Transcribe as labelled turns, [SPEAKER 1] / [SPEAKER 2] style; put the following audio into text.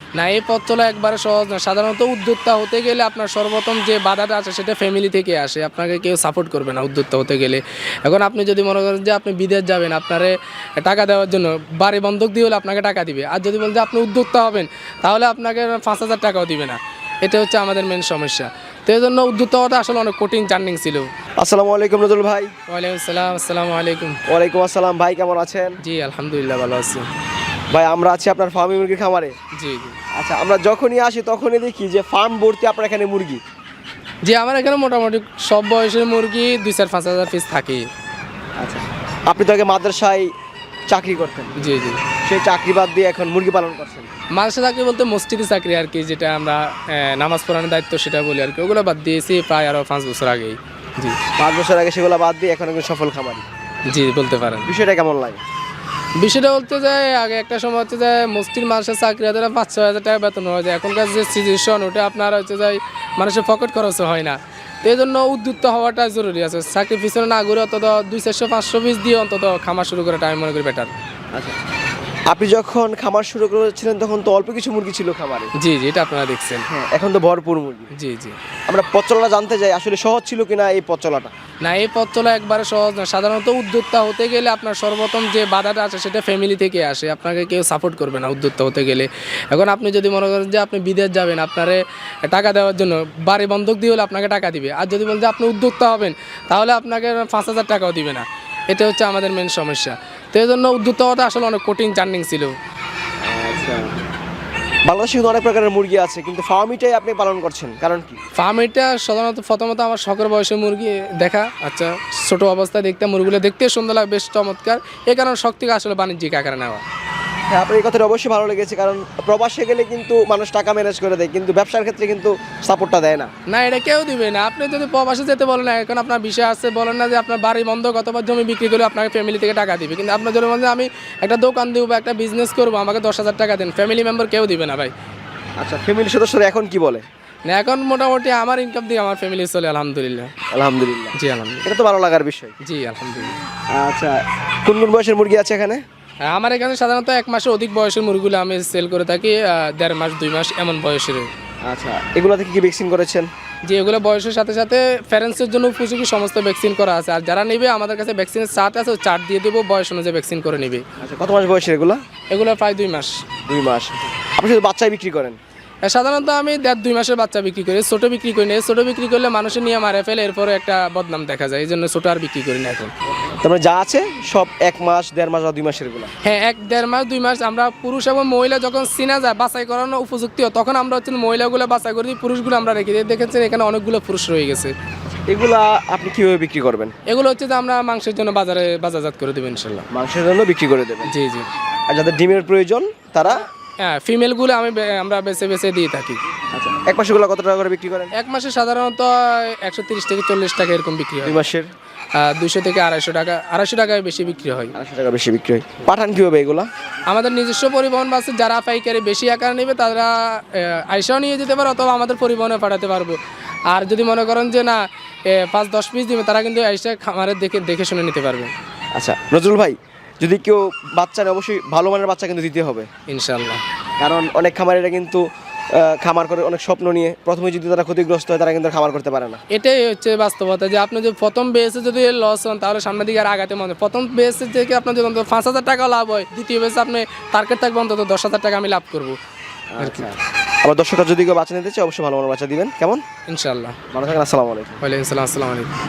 [SPEAKER 1] না, এই পথ চলা একবারে সহজ না। সাধারণত উদ্যোক্তা হতে গেলে আপনার সর্বপ্রথম যে বাধাটা আছে সেটা ফ্যামিলি থেকে আসে। আপনাকে কেউ সাপোর্ট করবে না উদ্যোক্তা হতে গেলে। এখন আপনি যদি মনে করেন যে আপনি বিদেশ যাবেন, আপনারে টাকা দেওয়ার জন্য বাড়ি বন্ধক দিয়ে হলে আপনাকে টাকা দিবে। আর যদি বলেন যে আপনি উদ্যোক্তা হবেন, তাহলে আপনাকে 5,000 টাকাও দিবে না। এটা হচ্ছে আমাদের মেন সমস্যা। তো এই জন্য উদ্যোক্তা হওয়াটা আসলে অনেক কঠিন জার্নিং ছিল।
[SPEAKER 2] আসসালামু আলাইকুম নজরুল ভাই।
[SPEAKER 1] ওয়ালাইকুম আসসালাম। আসসালামু আলাইকুম।
[SPEAKER 2] ওয়ালাইকুম আসসালাম ভাই, কেমন আছেন?
[SPEAKER 1] জি আলহামদুলিল্লাহ ভালো আছি।
[SPEAKER 2] ভাই আমরা আছি আপনার ফার্মি মুরগির খামারে।
[SPEAKER 1] জি জি
[SPEAKER 2] আচ্ছা, আমরা যখনই আসি তখনই দেখি যে ফার্ম ভর্তি আপনার এখানে মুরগি।
[SPEAKER 1] জি, আমার এখানে মোটামুটি সব বয়সের মুরগি 2-4-5 হাজার পিস থাকে।
[SPEAKER 2] আচ্ছা, আপনি তো আগে মাদ্রাসায় চাকরি করতেন,
[SPEAKER 1] জি জি
[SPEAKER 2] সেই চাকরি বাদ দিয়ে এখন মুরগি পালন করছেন।
[SPEAKER 1] মাদ্রাসা চাকরি বলতে মসজিদে চাকরি আর কি, যেটা আমরা নামাজ পড়ানোর দায়িত্ব সেটা বলি আর কি। ওগুলো বাদ দিয়েছি প্রায় আরও 5 বছর আগেই। জি
[SPEAKER 2] 5 বছর আগে সেগুলো বাদ দিয়ে এখন একজন সফল খামারি।
[SPEAKER 1] জি বলতে পারেন।
[SPEAKER 2] বিষয়টা কেমন লাগে?
[SPEAKER 1] বিষয়টা বলতে যায় আগে একটা সময় হচ্ছে যে মসজিদ মানুষের চাকরি হাজার 5-6 হাজার টাকা বেতন হয়ে যায়। এখনকার যে সিচুয়েশন ওটা আপনার হচ্ছে যায় মানুষের পকেট খরচ হয় না। তো এই জন্য উদ্যুক্ত হওয়াটা জরুরি আছে। চাকরি পিছনে না ঘুরে অন্তত 200-400 পিস দিয়ে অন্তত খামার শুরু করাটা আমি মনে করি বেটার।
[SPEAKER 2] আচ্ছা, আপনি যখন খামার শুরু করেছিলেন তখন তো অল্প কিছু মুরগি ছিল খামারে।
[SPEAKER 1] জি জি এটা আপনারা দেখছেন।
[SPEAKER 2] হ্যাঁ, এখন তো ভরপুর মুরগি।
[SPEAKER 1] জি জি
[SPEAKER 2] আমরা পথ চলাটা জানতে চাই, আসলে সহজ ছিল কিনা এই পথ চলাটা?
[SPEAKER 1] না, এই পথ চলা একবারে সহজ না। সাধারণত উদ্যোক্তা হতে গেলে আপনার সর্বপ্রথম যে বাধাটা আছে সেটা ফ্যামিলি থেকে আসে। আপনাকে কেউ সাপোর্ট করবে না উদ্যোক্তা হতে গেলে। এখন আপনি যদি মনে করেন যে আপনি বিদেশ যাবেন, আপনারে টাকা দেওয়ার জন্য বাড়ি বন্ধক দিয়ে হলে আপনাকে টাকা দিবে। আর যদি বলেন যে আপনি উদ্যোক্তা হবেন, তাহলে আপনাকে 5,000 টাকাও দিবে না। এটা হচ্ছে আমাদের মেন সমস্যা। তো এই জন্য উদ্যোক্তা হওয়াটা আসলে অনেক কঠিন জার্নিং ছিল।
[SPEAKER 2] আচ্ছা, বাংলাদেশে কিন্তু অনেক প্রকারের মুরগি আছে, কিন্তু ফার্মিটাই আপনি পালন করছেন, কারণ কি?
[SPEAKER 1] ফার্ম এটা সাধারণত প্রথমত আমার শখের বয়সে মুরগি দেখা। আচ্ছা, ছোটো অবস্থায় দেখতে মুরগিগুলো দেখতে সুন্দর লাগে, বেশ চমৎকার। এই কারণে শখ থেকে আসলে বাণিজ্যিক আকারে নেওয়া।
[SPEAKER 2] হ্যাঁ, আপনার এই কথাটা অবশ্যই ভালো লেগেছে, কারণ প্রবাসে গেলে কিন্তু মানুষ টাকা ম্যানেজ করে দেয়, কিন্তু ব্যবসার ক্ষেত্রে কিন্তু সাপোর্টটা দেয় না।
[SPEAKER 1] না, এটা কেউ দিবে না। আপনি যদি প্রবাসে যেতে বলেন না, এখন আপনার বিষয় আছে, বলেন না যে আপনার বাড়ি বন্ধক অথবা জমি বিক্রি করে আপনাকে ফ্যামিলি থেকে টাকা দিবে। কিন্তু আপনার যদি বলেন যে আমি একটা দোকান দিব বা একটা বিজনেস করবো, আমাকে 10,000 টাকা দেন, ফ্যামিলি মেম্বার কেউ দিবে না ভাই।
[SPEAKER 2] আচ্ছা, ফ্যামিলির সদস্যরা এখন কি বলে?
[SPEAKER 1] না, এখন মোটামুটি আমার ইনকাম দিয়ে আমার ফ্যামিলি চলে আলহামদুলিল্লাহ।
[SPEAKER 2] আলহামদুলিল্লাহ।
[SPEAKER 1] জি আলহামদুলিল্লাহ।
[SPEAKER 2] এটা তো ভালো লাগার বিষয়।
[SPEAKER 1] জি আলহামদুলিল্লাহ।
[SPEAKER 2] আচ্ছা, কোন কোন বয়সের মুরগি আছে এখানে?
[SPEAKER 1] হ্যাঁ, আমার এখানে সাধারণত 1 মাসের অধিক বয়সের মুরগিগুলো আমি সেল করে থাকি। 1.5 মাস 2 মাস এমন বয়সের।
[SPEAKER 2] আচ্ছা, এগুলো থেকে কি ভ্যাকসিন করেছেন?
[SPEAKER 1] যে এগুলো বয়সের সাথে সাথে প্যারেন্টসের জন্য উপযোগী সমস্ত ভ্যাকসিন করা আছে। আর যারা নেবে আমাদের কাছে ভ্যাকসিনের চার্ট আছে, ওই চার্ট দিয়ে দেবো, বয়স অনুযায়ী ভ্যাকসিন করে নেবে।
[SPEAKER 2] আচ্ছা, কত মাস বয়সের এগুলো?
[SPEAKER 1] এগুলো প্রায় 2 মাস।
[SPEAKER 2] 2 মাস। আপনি শুধু বাচ্চাই বিক্রি করেন?
[SPEAKER 1] সাধারণত আমি 1.5-2 মাসের বাচ্চা বিক্রি করি, ছোটো বিক্রি করি না। ছোটো বিক্রি করলে মানুষের নিয়ে মারে ফেলে, এরপরে একটা বদনাম দেখা যায়। এই জন্য ছোটো আর বিক্রি করি না এখন।
[SPEAKER 2] তারপরে যা আছে সব 1 মাস 1.5 মাস বা 2 মাসের গুলো?
[SPEAKER 1] হ্যাঁ, 1-1.5 মাস 2 মাস। আমরা পুরুষ এবং মহিলা যখন চিনা যায়, বাছাই করানো উপযুক্ত হয়, তখন আমরা হচ্ছে মহিলাগুলো বাছাই করে দিই, পুরুষগুলো আমরা রেখে দিই। দেখেছেন এখানে অনেকগুলো পুরুষ রয়ে গেছে।
[SPEAKER 2] এগুলা আপনি কিভাবে বিক্রি করবেন?
[SPEAKER 1] এগুলো হচ্ছে যে আমরা মাংসের জন্য বাজারজাত করে দেবো ইনশাল্লাহ।
[SPEAKER 2] মাংসের জন্য বিক্রি করে দেবেন?
[SPEAKER 1] জি জি।
[SPEAKER 2] আর যাদের ডিমের প্রয়োজন তারা?
[SPEAKER 1] হ্যাঁ, ফিমেলগুলো আমরা বেছে বেছে দিয়ে থাকি।
[SPEAKER 2] আচ্ছা, 1 মাসেরগুলো কত টাকা করে বিক্রি করেন?
[SPEAKER 1] 1 মাসে সাধারণত 130 থেকে 40 টাকা এরকম বিক্রি হয়।
[SPEAKER 2] 2 মাসের?
[SPEAKER 1] 200 থেকে 250 টাকা। 250 টাকায় বেশি বিক্রি হয়।
[SPEAKER 2] 250 টাকা বেশি বিক্রি হয়। পাঠান কিভাবে এগুলা?
[SPEAKER 1] আমাদের নিজস্ব পরিবহন বাসে যারা পাইকারি বেশি আকার নেবে তারা আইসাও নিয়ে যেতে পারে, অথবা আমাদের পরিবহনে পাঠাতে পারবো। আর যদি মনে করেন যে না 5-10 পিস দিবে, তারা কিন্তু আইসা খামারে দেখে শুনে নিতে পারবে।
[SPEAKER 2] আচ্ছা নজরুল ভাই, যদি কেউ বাচ্চা নেয় অবশ্যই ভালো মানের বাচ্চা কিন্তু দিতে হবে
[SPEAKER 1] ইনশাল্লাহ।
[SPEAKER 2] কারণ অনেক খামারিরা কিন্তু খামার করে অনেক স্বপ্ন নিয়ে প্রথমে যদি তারা ক্ষতিগ্রস্ত হয়, তারা কিন্তু আর খামার করতে পারে না।
[SPEAKER 1] এটাই হচ্ছে বাস্তবতা, যে আপনি যদি প্রথম বেসে যদি লস হন, তাহলে সামনের দিকে আর আগাতে মনে। প্রথম বেসে থেকে আপনার যদি অন্তত 5,000 টাকা লাভ হয়, দ্বিতীয় বেসে আপনি টার্গেট থাকবে অন্তত 10,000 টাকা আমি লাভ করবো আর কি।
[SPEAKER 2] আবার দর্শকরা যদি কেউ বাচ্চা নিতে চায় অবশ্যই ভালো মানের বাচ্চা দিবেন, কেমন?
[SPEAKER 1] ইনশাল্লাহ।
[SPEAKER 2] ভালো থাকেন, আসসালামু আলাইকুম।
[SPEAKER 1] ওয়ালাইকুম আসসালাম। আসসালামু আলাইকুম।